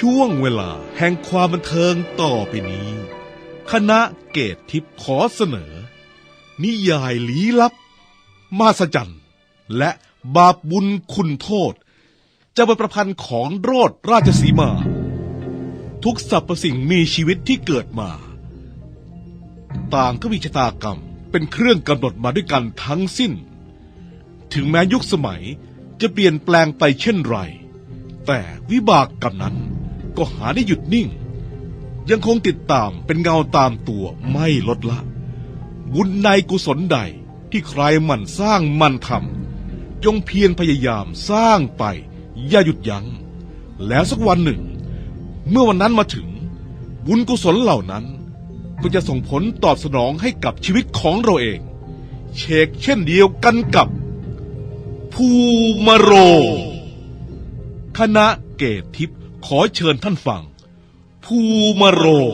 ช่วงเวลาแห่งความบันเทิงต่อไปนี้คณะเกตทิพย์ขอเสนอนิยายลี้ลับมหัศจรรย์และบาปบุญคุณโทษจะเป็นประพันธ์ของโรสราชสีมาทุกสรรพสิ่งมีชีวิตที่เกิดมาต่างก็มีชะตากรรมเป็นเครื่องกำหนดมาด้วยกันทั้งสิ้นถึงแม้ยุคสมัยจะเปลี่ยนแปลงไปเช่นไรแต่วิบากกรรมนั้นก็หาได้หยุดนิ่งยังคงติดตามเป็นเงาตามตัวไม่ลดละบุญในกุศลใดที่ใครหมั่นสร้างหมั่นทำจงเพียรพยายามสร้างไปอย่าหยุดยัง้งแล้วสักวันหนึ่งเมื่อวันนั้นมาถึงบุญกุศลเหล่านั้นก็จะส่งผลตอบสนองให้กับชีวิตของเราเองเชกเช่นเดียวกันกับภูมาโรงคณะเกตทิพย์ขอเชิญท่านฟังภูมาโรง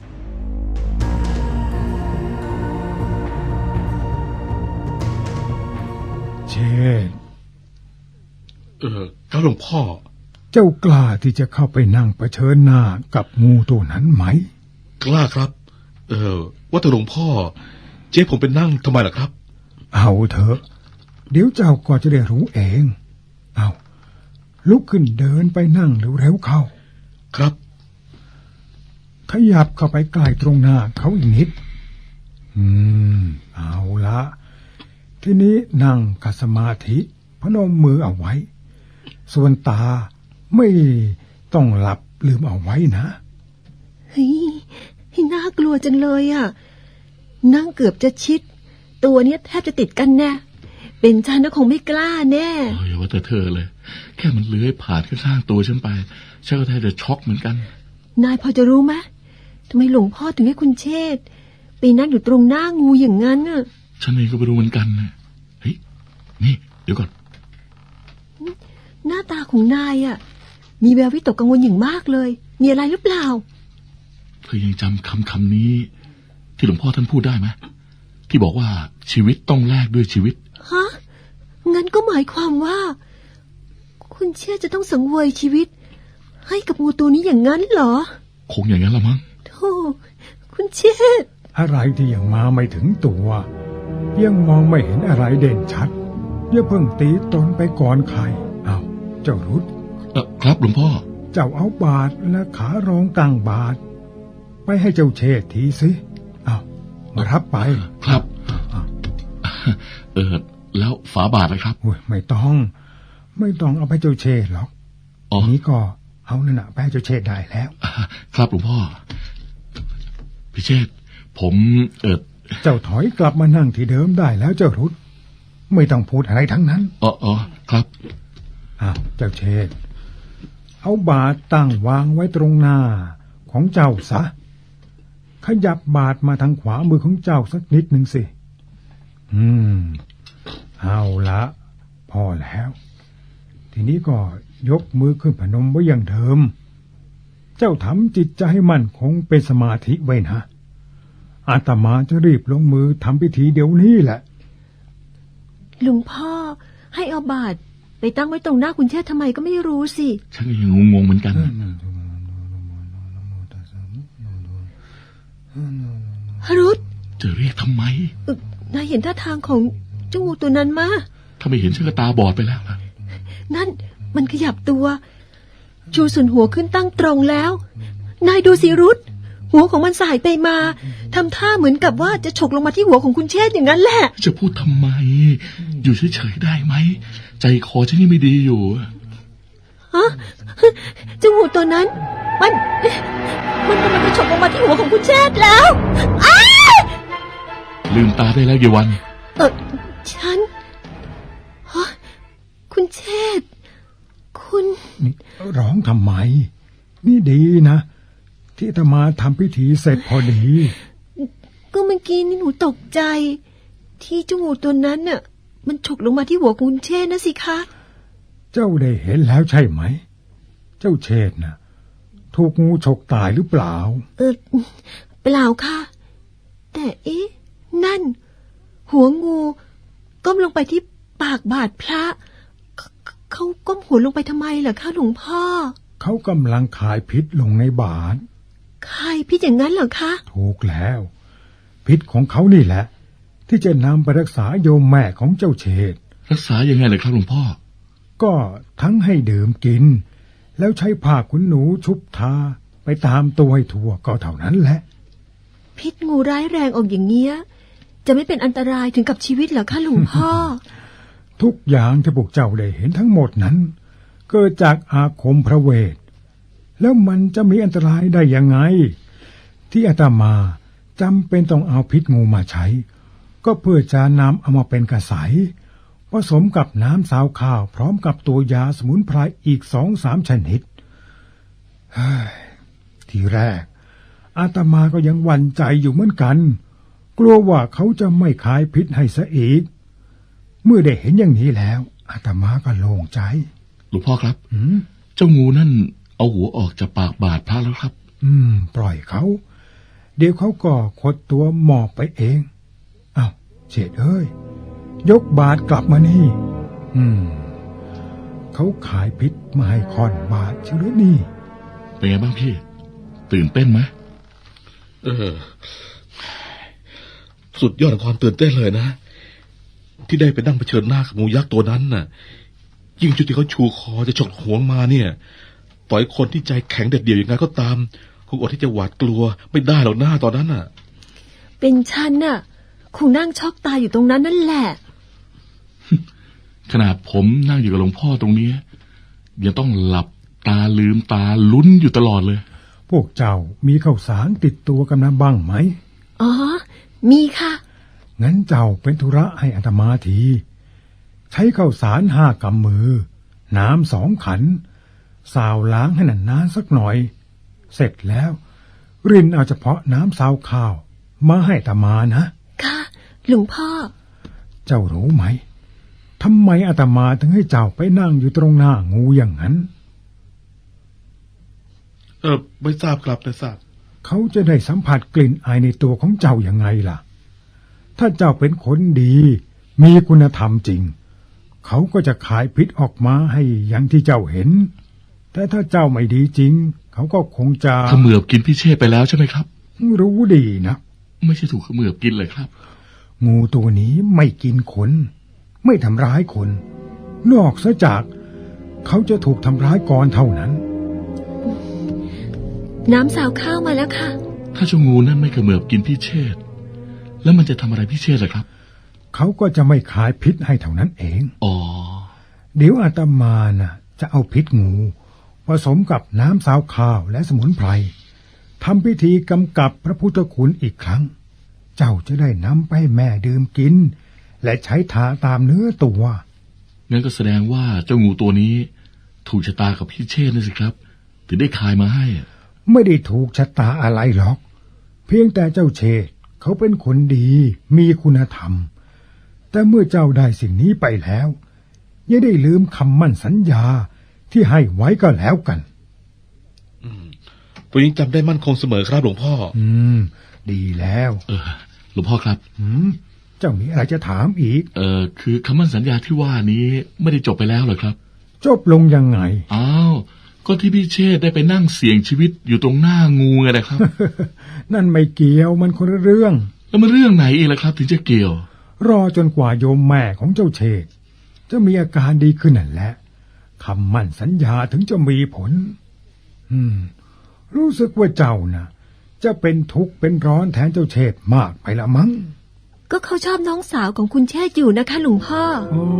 เชษฐ์ครับหลวงพ่อเจ้ากล้าที่จะเข้าไปนั่งเผชิญหน้ากับงูตัวนั้นไหมกล้าครับว่าแต่หลวงพ่อเจ๊ผมเป็นนั่งทำไมล่ะครับเอาเถอะเดี๋ยวเจ้าก็จะได้รู้เองเอาลุกขึ้นเดินไปนั่งเร็วๆเข้าครับขยับเข้าไปใกล้ตรงหน้าเขาอีกนิดเอาละทีนี้นั่งขัดสมาธิพนมมือเอาไว้ส่วนตาไม่ต้องหลับลืมเอาไว้นะเฮ้ยน่ากลัวจังเลยอ่ะนั่งเกือบจะชิดตัวเนี้ยแทบจะติดกันแน่เป็นฉันก็คงไม่กล้าแน่อย่าว่าแต่เธอเลยแค่มันเลื้อยผ่านข้างๆตัวฉันไปฉันก็แทบจะช็อกเหมือนกันนายพอจะรู้ไหมทำไมหลวงพ่อถึงให้คุณเชษฐ์ไปนั่งอยู่ตรงหน้างูอย่างนั้นน่ะฉันเองก็ไม่รู้เหมือนกันนะเฮ้ยนี่เดี๋ยวก่อนหน้าตาของนายอ่ะมีแวววิตกกังวลอย่างมากเลยมีอะไรหรือเปล่าเธอยังจำคำนี้ที่หลวงพ่อท่านพูดได้ไหมที่บอกว่าชีวิตต้องแลกด้วยชีวิตฮะงั้นก็หมายความว่าคุณเชษฐ์จะต้องสังเวยชีวิตให้กับงูตัวนี้อย่างนั้นเหรอคงอย่างนั้นละมั้งโธ่คุณเชษฐ์อะไรที่ยังมาไม่ถึงตัวยังมองไม่เห็นอะไรเด่นชัดอย่าเพิ่งตีตนไปก่อนใครเอาเจ้ารุดครับหลวงพ่อเจ้าเอาบาทและขารองตั้งบาทไปให้เจ้าเชษฐ์ทีสิเอามารับไปครับแล้วฝาบาทเลยครับไม่ต้องเอาไปเจ้าเชษฐ์หรอกนี้ก็เอานั่นน่ะไปให้เจ้าเชษฐ์ได้แล้วครับหลวงพ่อพี่เชษฐ์ผมเจ้าถอยกลับมานั่งที่เดิมได้แล้วเจ้ารุดไม่ต้องพูดอะไรทั้งนั้นอ๋อครับเจ้าเชษฐ์เอาบาทตั้งวางไว้ตรงหน้าของเจ้าซะขยับบาทมาทางขวามือของเจ้าสักนิดหนึ่งสิเอาละพอแล้วทีนี้ก็ยกมือขึ้นพนมไว้อย่างเดิมเจ้าทำจิตใจให้มั่นคงเป็นสมาธิไว้นะอาตมาจะรีบลงมือทำพิธีเดี๋ยวนี้แหละหลวงพ่อให้เอาบาทไปตั้งไว้ตรงหน้าคุณเชษฐ์ทำไมก็ไม่รู้สิฉันก็ยังงงเหมือนกันฮารุตจะเรียกทำไมนายเห็นท่าทางของเจ้างูตัวนั้นมาถ้าไม่เห็นฉันก็ตาบอดไปแล้วล่ะนั่นมันขยับตัวชูส่วนหัวขึ้นตั้งตรงแล้วนายดูสิรุตหัวของมันสายไปมาทำท่าเหมือนกับว่าจะฉกลงมาที่หัวของคุณเชษฐ์อย่างนั้นแหละจะพูดทำไมอยู่เฉยๆได้ไหมใจคอฉันนี่ไม่ดีอยู่ฮะเจ้างูตัวนั้นมันกำลังจะฉกลงมาที่หัวของคุณเชษฐ์แล้วลืมตาได้แล้วเยวันฉันคุณเชษฐ์คุณร้องทำไมนี่ดีนะที่อาตมาทำพิธีเสร็จพอดีก็เมื่อกี้นี่หนูตกใจที่เจ้างูตัวนั้นน่ะมันฉกลงมาที่หัวคุณเชษฐ์นะสิคะเจ้าได้เห็นแล้วใช่ไหมเจ้าเชษฐ์น่ะถูกงูฉกตายหรือเปล่าเปล่าค่ะแต่นั่นหัวงูก้มลงไปที่ปากบาทพระเขาก้มหัวลงไปทำไมล่ะคะหลวงพ่อเขากำลังขายพิษลงในบาตรใครพี่อย่างนั้นเหรอคะถูกแล้ว พิษของเขานี่แหละ ที่จะนำไปรักษาโยมแม่ของเจ้าเชษฐ์รักษายังไงเลยครับหลวงพ่อก็ทั้งให้ดื่มกิน แล้วใช้ผ้าขนหนูชุบทาไปตามตัวให้ทั่วก็เท่านั้นแหละพิษงูร้ายแรงออกอย่างเงี้ยจะไม่เป็นอันตรายถึงกับชีวิตเหรอคะหลวงพ่อทุกอย่างที่พวกเจ้าได้เห็นทั้งหมดนั้นเกิดจากอาคมพระเวท แล้วมันจะมีอันตรายได้ยังไง ที่อาตมาจำเป็นต้องเอาพิษงูมาใช้ ก็เพื่อจะนำเอามาเป็นกระใสผสมกับน้ำสาวข้าวพร้อมกับตัวยาสมุนไพรอีก2-3 ชนิดทีแรกอาตมาก็ยังหวั่นใจอยู่เหมือนกัน กลัวว่าเขาจะไม่ขายพิษให้ซะอีก เมื่อได้เห็นอย่างนี้แล้วอาตมาก็โล่งใจหลวงพ่อครับเจ้างูนั่นเอาหัวออกจากปากบาทพระแล้วครับปล่อยเขา เดี๋ยวเขาก็ขดตัวหมอบไปเองอ้าวเฉดเอ้ยยกบาทกลับมานี่เขาขายพิษมาให้ค่อนบาทเชียวหรือนี่เป็นไงบ้างพี่ ตื่นเต้นไหมสุดยอดของความตื่นเต้นเลยนะ ที่ได้ไปนั่งเผชิญหน้ากับงูยักษ์ตัวนั้นน่ะ ยิ่งจุดที่เขาชูคอจะฉกหัวมาเนี่ยต่อยคนที่ใจแข็งเด็ดเดี่ยวอย่างไงก็ตามคงอดที่จะหวาดกลัวไม่ได้หรอกหน้าตอนนั้นน่ะเป็นฉันน่ะคงนั่งช็อกตายอยู่ตรงนั้นนั่นแหละขนาดผมนั่งอยู่กับหลวงพ่อตรงนี้ยังต้องหลับตาลืมตาลุ้นอยู่ตลอดเลยพวกเจ้ามีข้าวสารติดตัวกันนะบ้างไหมอ๋อมีค่ะงั้นเจ้าเป็นธุระให้อาตมาทีใช้ข้าวสาร5 กำมือน้ำ2 ขันสาวล้างให้นานๆสักหน่อยเสร็จแล้วรินเอาเฉพาะน้ำสาวข้าวมาให้อาตมานะค่ะหลวงพ่อเจ้ารู้ไหมทำไมอาตมาถึงให้เจ้าไปนั่งอยู่ตรงหน้างูอย่างนั้นไม่ทราบครับไม่ทราบเขาจะได้สัมผัสกลิ่นอายในตัวของเจ้าอย่างไงล่ะถ้าเจ้าเป็นคนดีมีคุณธรรมจริงเขาก็จะขายพิษออกมาให้อย่างที่เจ้าเห็นแต่ถ้าเจ้าไม่ดีจริงเขาก็คงจะเขมือบกินพี่เชษไปแล้วใช่ไหมครับรู้ดีนะไม่ใช่ถูกเขมือบกินเลยครับงูตัวนี้ไม่กินคนไม่ทำร้ายคนนอกซะจากเขาจะถูกทำร้ายก่อนเท่านั้นน้ำสาวข้าวมาแล้วค่ะถ้าเจ้างูนั่นไม่เขมือบกินพี่เชษแล้วมันจะทำอะไรพี่เชษล่ะครับเขาก็จะไม่ขายพิษให้เท่านั้นเองอ๋อเดี๋ยวอาตมาน่ะจะเอาพิษงูผสมกับน้ำสาวข้าวและสมุนไพรทำพิธีกำกับพระพุทธคุณอีกครั้งเจ้าจะได้นำไปให้แม่ดื่มกินและใช้ทาตามเนื้อตัวงั้นก็แสดงว่าเจ้างูตัวนี้ถูกชะตากับพี่เชษนี่สิครับถึงได้คายมาให้ไม่ได้ถูกชะตาอะไรหรอกเพียงแต่เจ้าเชษเขาเป็นคนดีมีคุณธรรมแต่เมื่อเจ้าได้สิ่งนี้ไปแล้วอย่าได้ลืมคำมั่นสัญญาที่ให้ไว้ก็แล้วกันผมยังจำได้มั่นคงเสมอครับหลวงพ่อดีแล้วหลวงพ่อครับเจ้ามีอะไรจะถามอีกคือคำมั่นสัญญาที่ว่านี้ไม่ได้จบไปแล้วเหรอครับจบลงยังไงอ้าวก็ที่พี่เชษได้ไปนั่งเสี่ยงชีวิตอยู่ตรงหน้างูไงนะครับนั่นไม่เกี่ยวมันคนละเรื่องแล้วมันเรื่องไหนอีกล่ะครับถึงจะเกี่ยวรอจนกว่าโยมแม่ของเจ้าเชษจะมีอาการดีขึ้นนั่นแหละคำมั่นสัญญาถึงจะมีผลรู้สึกว่าเจ้านะจะเป็นทุกข์เป็นร้อนแทนเจ้าเชษมากไปละมั้งก็เขาชอบน้องสาวของคุณเชษอยู่นะคะหลวงพ่ออ๋อ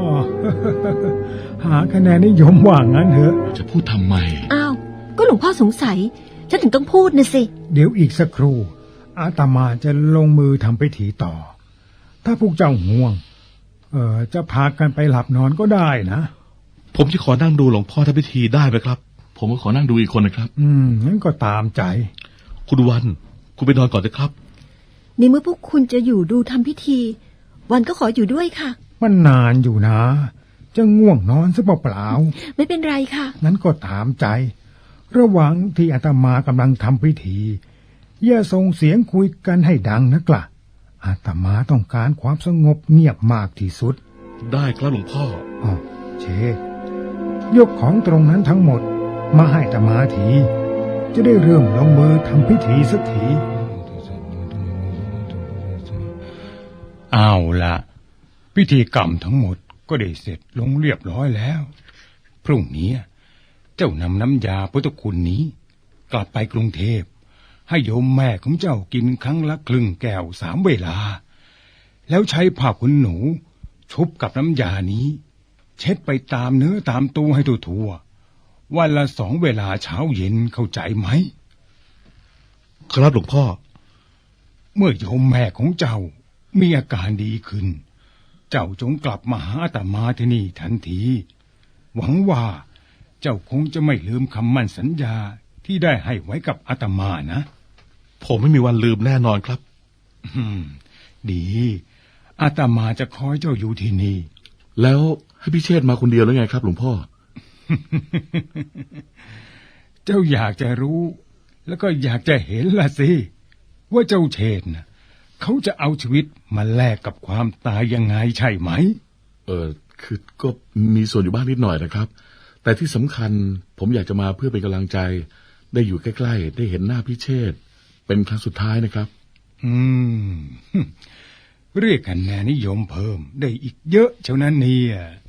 หาคะแนนนิยมว่างั้นเถอะจะพูดทำไมอ้าวก็หลวงพ่อสงสัยฉันถึงต้องพูดนะสิเดี๋ยวอีกสักครู่อาตมาจะลงมือทำพิธีต่อถ้าพวกเจ้าง่วงจะพากันไปหลับนอนก็ได้นะผมจะขอนั่งดูหลวงพ่อทำพิธีได้ไหมครับผมก็ขอนั่งดูอีกคนนะครับงั้นก็ตามใจคุณวันคุณไปนอนก่อนเลยครับในเมื่อพวกคุณจะอยู่ดูทำพิธีวันก็ขออยู่ด้วยค่ะมันนานอยู่นะจะง่วงนอนซะเปล่าๆไม่เป็นไรค่ะงั้นก็ตามใจระหว่างที่อาตมากำลังทำพิธีอย่าส่งเสียงคุยกันให้ดังนักล่ะอาตมาต้องการความสงบเงียบมากที่สุดได้ครับหลวงพ่ออ๋อเชยกของตรงนั้นทั้งหมดมาให้อาตมาที จะได้เริ่มลงมือทำพิธีสักทีเอาละพิธีกรรมทั้งหมดก็ได้เสร็จลงเรียบร้อยแล้วพรุ่งนี้เจ้านำน้ำยาพุทธคุณนี้กลับไปกรุงเทพให้โยมแม่ของเจ้ากินครั้งละครึ่งแก้ว3 เวลาแล้วใช้ผ้าขนหนูชุบกับน้ำยานี้เช็ดไปตามเนื้อตามตัวให้ทั่วๆวันละ2 เวลาเช้าเย็นเข้าใจไหมครับหลวงพ่อเมื่อโยมแม่ของเจ้ามีอาการดีขึ้นเจ้าจงกลับมาหาอาตมาที่นี่ทันทีหวังว่าเจ้าคงจะไม่ลืมคำมั่นสัญญาที่ได้ให้ไว้กับอาตมานะผมไม่มีวันลืมแน่นอนครับดีอาตมาจะคอยเจ้าอยู่ที่นี่แล้วให้พี่เชษฐ์มาคนเดียวแล้วไงครับหลวงพ่อเจ้าอยากจะรู้แล้วก็อยากจะเห็นล่ะสิว่าเจ้าเชษฐ์น่ะเขาจะเอาชีวิตมาแลกกับความตายยังไงใช่ไหมคือก็มีส่วนอยู่บ้างนิดหน่อยนะครับ แต่ที่สำคัญผมอยากจะมาเพื่อเป็นกำลังใจ ได้อยู่ใกล้ๆได้เห็นหน้าพี่เชษฐ์เป็นครั้งสุดท้ายนะครับเรียกคะแนนนิยมเพิ่มได้อีกเยอะเท่านั้นเนี่ย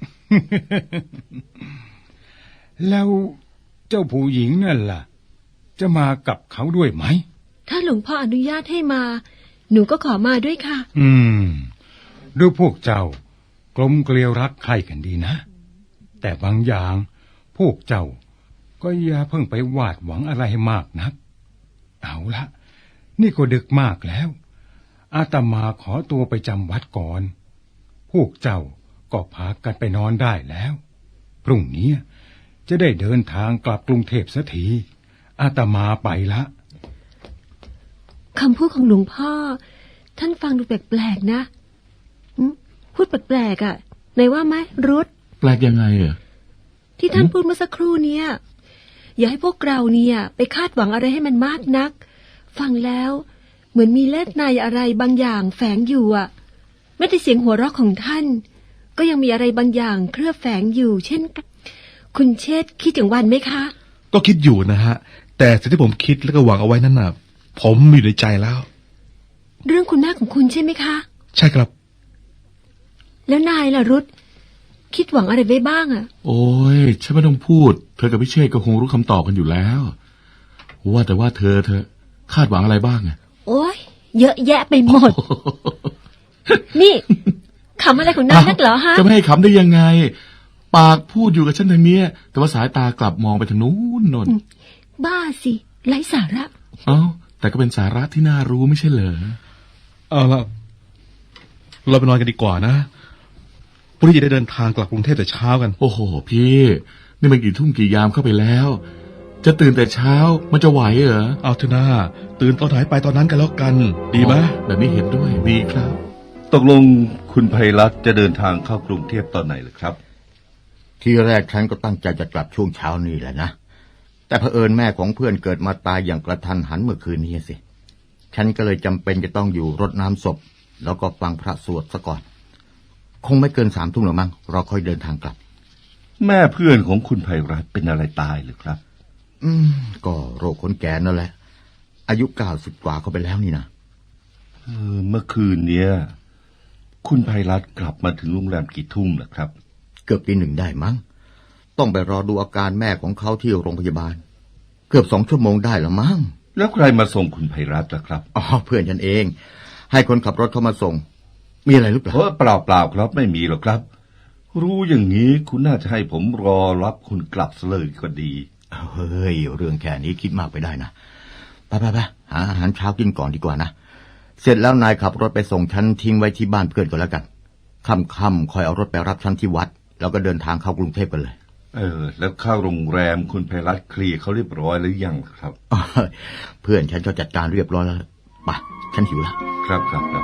แล้วเจ้าผู้หญิงนั่นล่ะจะมากับเขาด้วยไหมถ้าหลวงพ่ออนุญาตให้มา หนูก็ขอมาด้วยค่ะดูพวกเจ้ากลมเกลียวรักใคร่กันดีนะ แต่บางอย่างพวกเจ้าก็อย่าเพิ่งไปวาดหวังอะไรให้มากนักเอาละนี่ก็ดึกมากแล้วอาตมาขอตัวไปจำวัดก่อนพวกเจ้าก็พากันไปนอนได้แล้วพรุ่งนี้จะได้เดินทางกลับกรุงเทพสักทีอาตมาไปละคำพูดของหลวงพ่อท่านฟังดูแปลกๆนะพูดแปลกๆอ่ะไหนว่าไหมรุธแปลกยังไงอ่ะที่ท่านพูดเมื่อสักครู่เนี่ยอย่าให้พวกเราเนี่ยไปคาดหวังอะไรให้มันมากนักฟังแล้วเหมือนมีเล่ห์ในอะไรบางอย่างแฝงอยู่อ่ะไม่ได้เสียงหัวเราะของท่านก็ยังมีอะไรบางอย่างเคลือบแฝงอยู่เช่นคุณเชษฐ์คิดถึงวันไหมคะก็คิดอยู่นะฮะแต่สิ่งที่ผมคิดแล้วก็หวังเอาไว้นั่นน่ะผมมีอยู่ในใจแล้วเรื่องคุณแม่ของคุณใช่ไหมคะใช่ครับแล้วนายล่ะรุธคิดหวังอะไรไว้บ้างอ่ะโอ้ยฉันไม่ต้องพูดเธอกับพี่เชษฐ์ก็คงรู้คำตอบกันอยู่แล้วว่าแต่ว่าเธอคาดหวังอะไรบ้างอ่ะโอ้ยเยอะแยะไปหมด นี่ขำอะไรของนายนักเหรอฮะจะไม่ให้ขำได้ยังไงปากพูดอยู่กับฉันทางนี้แต่ว่าสายตากลับมองไปทางนู้นนนบ้าสิไร้สาระแต่ก็เป็นสาระที่น่ารู้ไม่ใช่เหรอเอาล่ะเราไปนอนกันดีกว่านะพรุ่งนี้จะได้เดินทางกลับกรุงเทพแต่เช้ากันโอ้โหพี่นี่มันกี่ทุ่มกี่ยามเข้าไปแล้วจะตื่นแต่เช้ามันจะไหวเหรอเอาเถอะนะตื่นตอนไหนไปตอนนั้นกันแล้วกันดีไหมแบบนี้เห็นด้วยดีครับตกลงคุณไพรัตน์จะเดินทางเข้ากรุงเทพตอนไหนล่ะครับทีแรกฉันก็ตั้งใจจะกลับช่วงเช้านี่แหละนะแต่เผอิญแม่ของเพื่อนเกิดมาตายอย่างกระทันหันเมื่อคืนนี้สิฉันก็เลยจำเป็นจะต้องอยู่รดน้ำศพแล้วก็ฟังพระสวดซะก่อนคงไม่เกิน3 ทุ่มหรอกมั้งเราค่อยเดินทางกลับแม่เพื่อนของคุณไพรัตน์เป็นอะไรตายหรือครับก็โรคคนแก่นั่นแหละอายุ90 กว่าเขาไปแล้วนี่นะเมื่อคืนเนี้ยคุณไพรัตน์กลับมาถึงโรงแรมกี่ทุ่มล่ะครับเกือบตี 1ได้มั้งต้องไปรอดูอาการแม่ของเขาที่โรงพยาบาลเกือบ2 ชั่วโมงได้ละมั้งแล้วใครมาส่งคุณไพรัตน์ล่ะครับเพื่อนฉันเองให้คนขับรถเขามาส่งมีอะไรหรือเปล่าเปล่าครับไม่มีหรอกครับรู้อย่างนี้คุณน่าจะให้ผมรอรับคุณกลับเลยก็ดีเฮ้ยเรื่องแค่นี้คิดมากไปได้นะไปหาอาหารเช้ากินก่อนดีกว่านะเสร็จแล้วนายขับรถไปส่งฉันทิ้งไว้ที่บ้านเพื่อนก็แล้วกันค่ำๆคอยเอารถไปรับฉันที่วัดแล้วก็เดินทางเข้ากรุงเทพกันเลยแล้วเข้าโรงแรมคุณไพรัตน์เคลียร์เขาเรียบร้อยหรือยังครับเพื่อนฉันก็จัดการเรียบร้อยแล้วไปฉันหิวแล้วครับ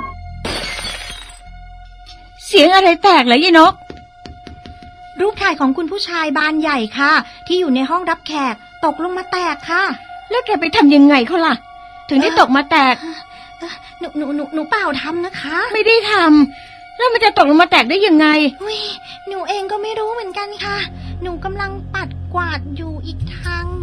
เสียงอะไรแตกเหรอยายนกรูปถ่ายของคุณผู้ชายบานใหญ่ค่ะที่อยู่ในห้องรับแขกตกลงมาแตกค่ะแล้วแกไปทำยังไงเขาล่ะถึงได้ตกมาแตกหนูเปล่าทำนะคะไม่ได้ทำแล้วมันจะตกลงมาแตกได้ยังไงหนูเองก็ไม่รู้เหมือนกันค่ะหนูกำลังปัดกวาดอยู่อีกทาง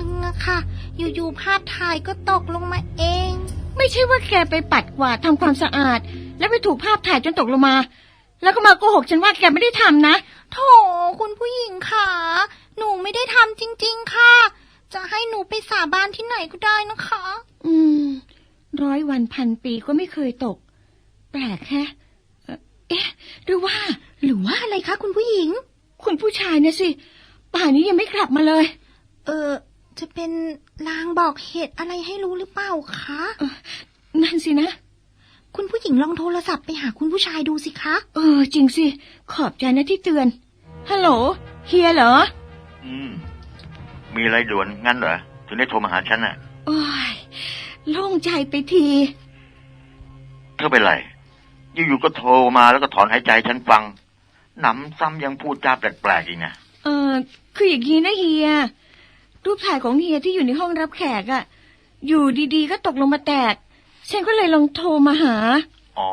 ค่ะ อยู่ๆภาพถ่ายก็ตกลงมาเองไม่ใช่ว่าแกไปปัดกวาดทำความสะอาด แล้วไปถูกภาพถ่ายจนตกลงมา แล้วก็มาโกหกฉันว่าแกไม่ได้ทำนะโถคุณผู้หญิงค่ะ หนูไม่ได้ทำจริงๆค่ะ จะให้หนูไปสาบานที่ไหนก็ได้นะคะ 100 วันพันปีก็ไม่เคยตก แปลกแฮะเอ๊ะหรือว่าอะไรคะคุณผู้หญิงคุณผู้ชายเนี่ยสิป่านนี้ยังไม่กลับมาเลยจะเป็นลางบอกเหตุอะไรให้รู้หรือเปล่าคะนั่นสินะคุณผู้หญิงลองโทรศัพท์ไปหาคุณผู้ชายดูสิคะจริงสิ ขอบใจนะที่เตือน ฮัลโหล เฮียเหรอมีอะไรด่วนงั้นเหรอ ถึงได้โทรมาหาฉันน่ะโอ้ยโล่งใจไปทีเธอเป็นไร อยู่ๆก็โทรมาแล้วก็ถอนหายใจฉันฟัง หนำซ้ำยังพูดจาแปลกๆอีกนะคืออย่างนี้นะเฮีย รูปถ่ายของเฮียที่อยู่ในห้องรับแขกอะอยู่ดีๆก็ตกลงมาแตก ฉันก็เลยลองโทรมาหาอ๋อ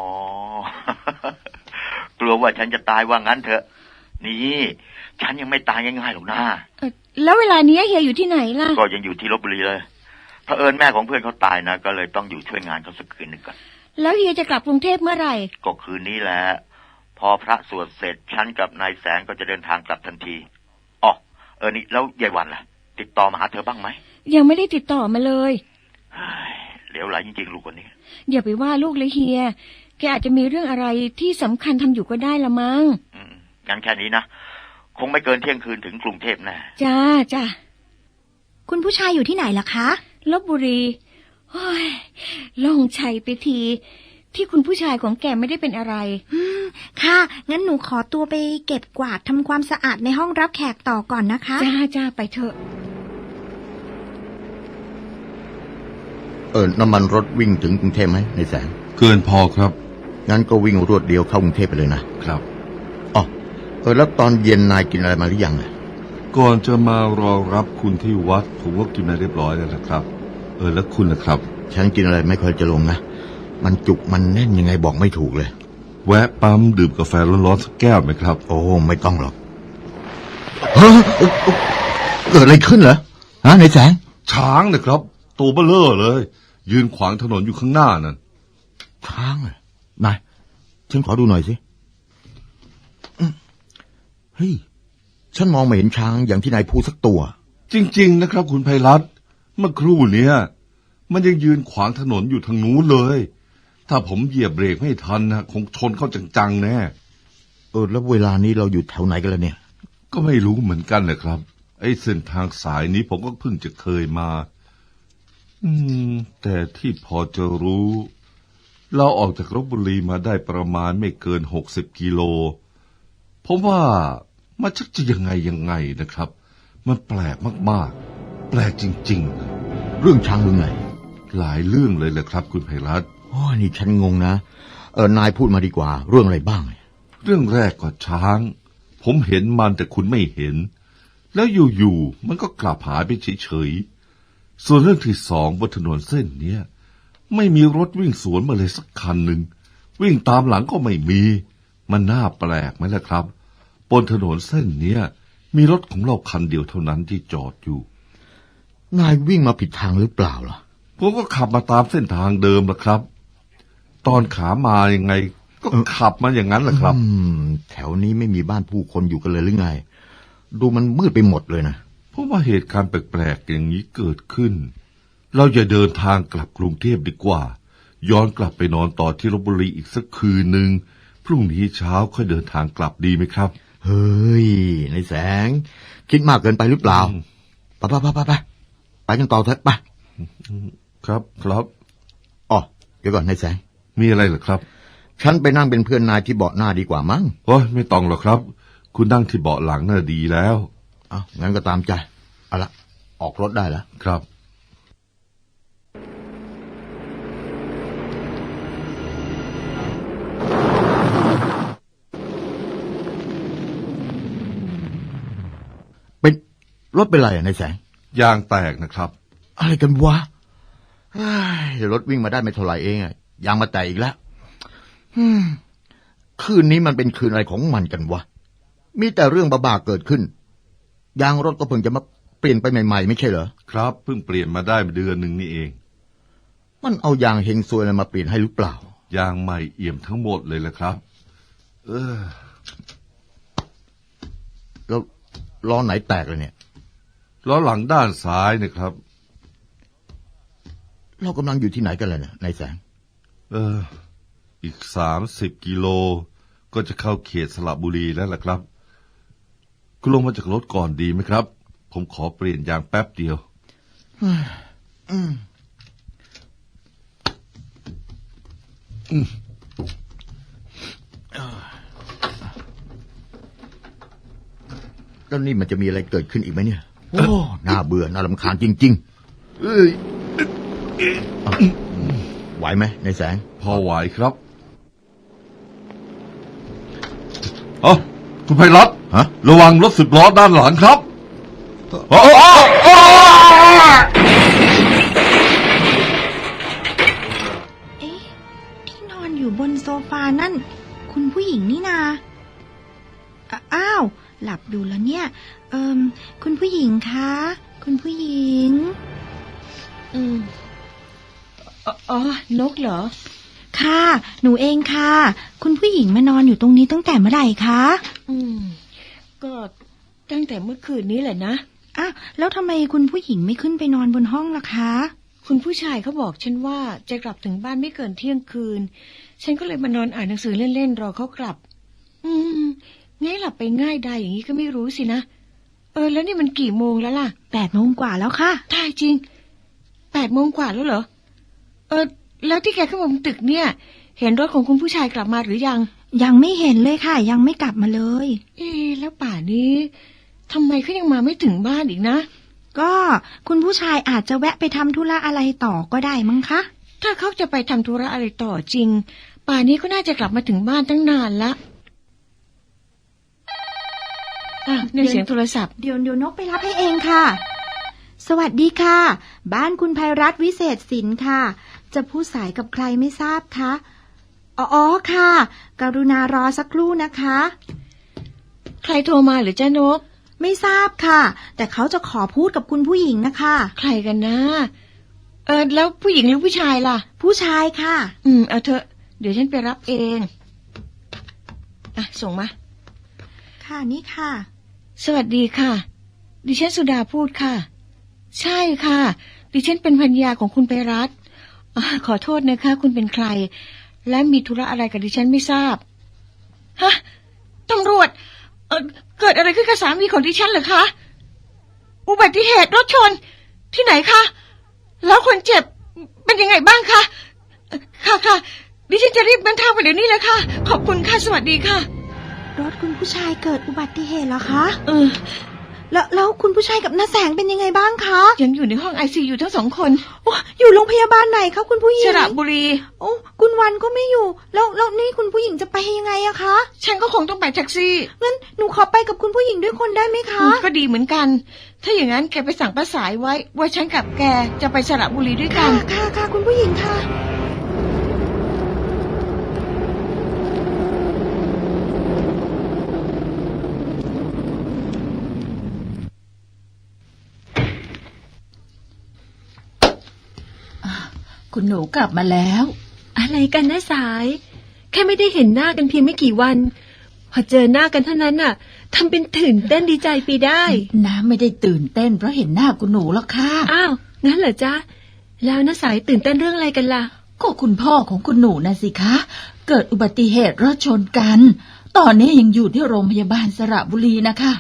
กลัวว่าฉันจะตายว่างั้นเถอะ นี่ ฉันยังไม่ตายง่ายๆหรอกนะแล้วเวลานี้เฮียอยู่ที่ไหนล่ะก็ยังอยู่ที่ลพบุรีเลยเผอิญแม่ของเพื่อนเขาตายนะ ก็เลยต้องอยู่ช่วยงานเขาสักคืนหนึ่งก่อนแล้วเฮียจะกลับกรุงเทพเมื่อไหร่ก็คืนนี้แหละ พอพระสวดเสร็จฉันกับนายแสงก็จะเดินทางกลับทันทีอ๋อนี่แล้วยายวันล่ะ ติดต่อมาหาเธอบ้างไหมยังไม่ได้ติดต่อมาเลยเหลวไหลจริงๆลูกคนนี้อย่าไปว่าลูกเลยเฮีย แกอาจจะมีเรื่องอะไรที่สำคัญทำอยู่ก็ได้ละมั้งงั้นแค่นี้นะ คงไม่เกินเที่ยงคืนถึงกรุงเทพแน่จ้าคุณผู้ชายอยู่ที่ไหนล่ะคะลพบุรีโอ้ยโล่งใจไปที ที่คุณผู้ชายของแกไม่ได้เป็นอะไรค่ะ งั้นหนูขอตัวไปเก็บกวาดทำความสะอาดในห้องรับแขกต่อก่อนนะคะจ้าไปเถอะน้ำมันรถวิ่งถึงกรุงเทพไหมในแสงเกินพอครับงั้นก็วิ่งรวดเดียวเข้ากรุงเทพไปเลยนะครับ อ๋อแล้วตอนเย็นนายกินอะไรมาหรือยังก่อนจะมารอรับคุณที่วัดผมก็กินมาเรียบร้อยแล้วนะครับ แล้วคุณนะครับฉันกินอะไรไม่ค่อยจะลงนะ มันจุกมันแน่นยังไงบอกไม่ถูกเลยแวะปั๊มดื่มกาแฟร้อนๆสักแก้วไหมครับโอ้ไม่ต้องหรอกเกิดอะไรขึ้นเหรอในแสงช้างนะครับตัวเบ้อเร่อเลย ยืนขวางถนนอยู่ข้างหน้านั่นช้างเหรอนายฉันขอดูหน่อยสิเฮ้ยฉันมองไม่เห็นช้างอย่างที่นายพูดสักตัวจริงๆนะครับคุณไพรัตน์เมื่อครู่เนี้ยมันยังยืนขวางถนนอยู่ทางนู้นเลย ถ้าผมเหยียบเบรกไม่ทันนะคงชนเข้าจังๆแน่แล้วเวลานี้เราอยู่แถวไหนกันแล้วเนี่ยก็ไม่รู้เหมือนกันนะครับไอ้เส้นทางสายนี้ผมก็เพิ่งจะเคยมาแต่ที่พอจะรู้เราออกจากลพบุรีมาได้ประมาณไม่เกิน60 กิโลผมว่ามันชักจะยังไงนะครับมันแปลกมากๆแปลกจริงๆเรื่องช้างเรื่องไหนหลายเรื่องเลยแหละครับคุณไพรัตน์นี่ฉันงงนะนายพูดมาดีกว่าเรื่องอะไรบ้างเรื่องแรกก็ช้างผมเห็นมันแต่คุณไม่เห็นแล้วอยู่ๆมันก็กลับหายไปเฉยๆส่วนเรื่องที่สองบนถนนเส้นเนี้ยไม่มีรถวิ่งสวนมาเลยสักคันหนึ่งวิ่งตามหลังก็ไม่มีมันน่าแปลกไหมล่ะครับบนถนนเส้นเนี้ยมีรถของเราคันเดียวเท่านั้นที่จอดอยู่นายวิ่งมาผิดทางหรือเปล่าล่ะผมก็ขับมาตามเส้นทางเดิมล่ะครับตอนขามายังไงก็ขับมาอย่างนั้นแหละครับแถวนี้ไม่มีบ้านผู้คนอยู่กันเลยหรือไงดูมันมืดไปหมดเลยนะเพราะว่าเหตุการณ์แปลกๆอย่างนี้เกิดขึ้นเราอย่าเดินทางกลับกรุงเทพดีกว่าย้อนกลับไปนอนต่อที่ลพบุรีอีกสักคืนหนึ่งพรุ่งนี้เช้าค่อยเดินทางกลับดีไหมครับเฮ้ยในแสงคิดมากเกินไปหรือเปล่าไปกันต่อเถอะไปครับอ๋อเดี๋ยวก่อนในแสงมีอะไรเหรอครับฉันไปนั่งเป็นเพื่อนนายที่เบาะหน้าดีกว่ามั้งไม่ต้องหรอกครับคุณนั่งที่เบาะหลังน่าดีแล้วงั้นก็ตามใจเอาละออกรถได้แล้วครับเป็นรถเป็นไรในแสงยางแตกนะครับอะไรกันวะรถวิ่งมาได้ไม่เท่าไหร่เองยางมาแตกอีกแล้วคืนนี้มันเป็นคืนอะไรของมันกันวะมีแต่เรื่องบ้าๆเกิดขึ้นยางรถก็เพิ่งจะมาเปลี่ยนไปใหม่ๆไม่ใช่เหรอครับเพิ่งเปลี่ยนมาได้เดือนหนึ่งนี่เองมันเอายางเฮงซวยอะไรมาเปลี่ยนให้หรือเปล่ายางใหม่เอี่ยมทั้งหมดเลยละครับแล้วล้อไหนแตกเลยเนี่ยล้อหลังด้านซ้ายนะครับเรากำลังอยู่ที่ไหนกันเลยเนี่ยนายแสงอีก30 กิโลก็จะเข้าเขตสระบุรีแล้วล่ะครับคุณลงมาจากรถก่อนดีไหมครับ ผมขอเปลี่ยนยางแป๊บเดียวแล้วนี่มันจะมีอะไรเกิดขึ้นอีกไหมเนี่ย โอ้ น่าเบื่อ น่ารำคาญจริงๆไหวไหมนายแสงพอไหวครับอ๋อคุณไพรัตน์ฮะระวังรถ10 ล้อด้านหลังครับเอ๊ะที่นอนอยู่บนโซฟานั่น คุณผู้หญิงนี่นาอ้าว หลับดูแล้วเนี่ย คุณผู้หญิงคะคุณผู้หญิงนกเหรอค่ะหนูเองค่ะคุณผู้หญิงมานอนอยู่ตรงนี้ตั้งแต่เมื่อไหร่คะก็ตั้งแต่เมื่อคืนนี้แหละนะอ้าวแล้วทำไมคุณผู้หญิงไม่ขึ้นไปนอนบนห้องล่ะคะคุณผู้ชายเขาบอกฉันว่าจะกลับถึงบ้านไม่เกินเที่ยงคืนฉันก็เลยมานอนอ่านหนังสือเล่นๆรอเขากลับง่ายหลับไปง่ายได้อย่างนี้ก็ไม่รู้สินะแล้วนี่มันกี่โมงแล้วล่ะ 8 โมงกว่าแล้วค่ะตายจริง8 โมงกว่าแล้วเหรอแล้วที่แกขึ้นมาบนตึกเนี่ยเห็นรถของคุณผู้ชายกลับมาหรือยังไม่เห็นเลยค่ะยังไม่กลับมาเลยแล้วป่านี้ทำไมเขายังมาไม่ถึงบ้านอีกนะก็คุณผู้ชายอาจจะแวะไปทำธุระอะไรต่อก็ได้มั้งคะถ้าเขาจะไปทำธุระอะไรต่อจริงป่านี้ก็น่าจะกลับมาถึงบ้านตั้งนานละในเสียงโทรศัพท์เดี๋ยวนกไปรับให้เองค่ะสวัสดีค่ะบ้านคุณไพรัตน์วิเศษสินค่ะจะพูดสายกับใครไม่ทราบคะอ๋อค่ะกรุณารอสักครู่นะคะใครโทรมาหรือจ้านกไม่ทราบค่ะแต่เขาจะขอพูดกับคุณผู้หญิงนะคะใครกันนะแล้วผู้หญิงหรือผู้ชายล่ะผู้ชายค่ะเอาเถอะเดี๋ยวฉันไปรับเองส่งมาค่ะนี่ค่ะสวัสดีค่ะดิฉันสุดาพูดค่ะใช่ค่ะดิฉันเป็นภรรยาของคุณไพรัตน์ขอโทษนะคะคุณเป็นใครและมีธุระอะไรกับดิฉันไม่ทราบฮะตำรวจเกิดอะไรขึ้นกับสามีของดิฉันเหรอคะอุบัติเหตุรถชนที่ไหนคะแล้วคนเจ็บเป็นยังไงบ้างคะค่ะดิฉันจะรีบเดินทางไปเดี๋ยวนี้เลยค่ะขอบคุณค่ะสวัสดีค่ะรถคุณผู้ชายเกิดอุบัติเหตุเหรอคะแล้วคุณผู้ชายกับน้าแสงเป็นยังไงบ้างคะยังอยู่ในห้อง ICU ทั้ง2 คนอยู่โรงพยาบาลไหนคะคุณผู้หญิงสระบุรีคุณวันก็ไม่อยู่แล้วนี่คุณผู้หญิงจะไปยังไงอะคะฉันก็คงต้องไปแท็กซี่งั้นหนูขอไปกับคุณผู้หญิงด้วยคนได้ไหมคะก็ดีเหมือนกันถ้าอย่างนั้นแกไปสั่งป้าสายไว้ว่าฉันกับแกจะไปสระบุรีด้วยกันค่ะคุณผู้หญิงค่ะคุณหนูกลับมาแล้วอะไรกันนะสายแค่ไม่ได้เห็นหน้ากันเพียงไม่กี่วันพอเจอหน้ากันเท่านั้นน่ะทำเป็นตื่นเต้นดีใจไปได้น้าไม่ได้ตื่นเต้นเพราะเห็นหน้าคุณหนูหรอกค่ะอ้าวงั้นเหรอจ๊ะแล้วน้าสายตื่นเต้นเรื่องอะไรกันล่ะก็คุณพ่อของคุณหนูนะสิคะเกิดอุบัติเหตุรถชนกันตอนนี้ยังอยู่ที่โรงพยาบาลสระบุรีนะคะ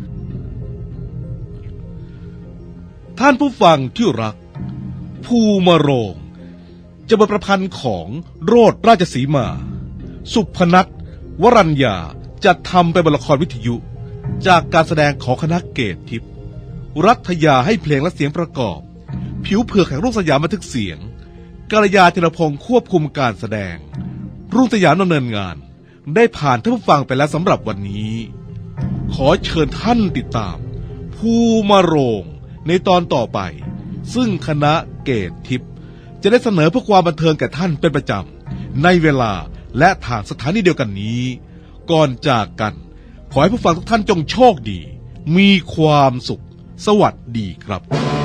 ท่านผู้ฟังที่รักภูมิโรงจะบทประพันธ์ของโรจน์ราชสีมาสุพนัทวรัญญาจะทำเป็นบทละครวิทยุจากการแสดงของคณะเกตทิพย์รัฐยาให้เพลงและเสียงประกอบผิวเผือกแห่งรุ่งสยามบันทึกเสียงกัลยาธีรพงศ์ควบคุมการแสดงรุ่งสยามดำเนินงานได้ผ่านท่านผู้ฟังไปแล้วสำหรับวันนี้ขอเชิญท่านติดตามภูมิโรงในตอนต่อไปซึ่งคณะเกตทิพย์จะได้เสนอเพื่อความบันเทิงแก่ท่านเป็นประจำในเวลาและทางสถานีเดียวกันนี้ก่อนจากกันขอให้ผู้ฟังทุกท่านจงโชคดีมีความสุขสวัสดีครับ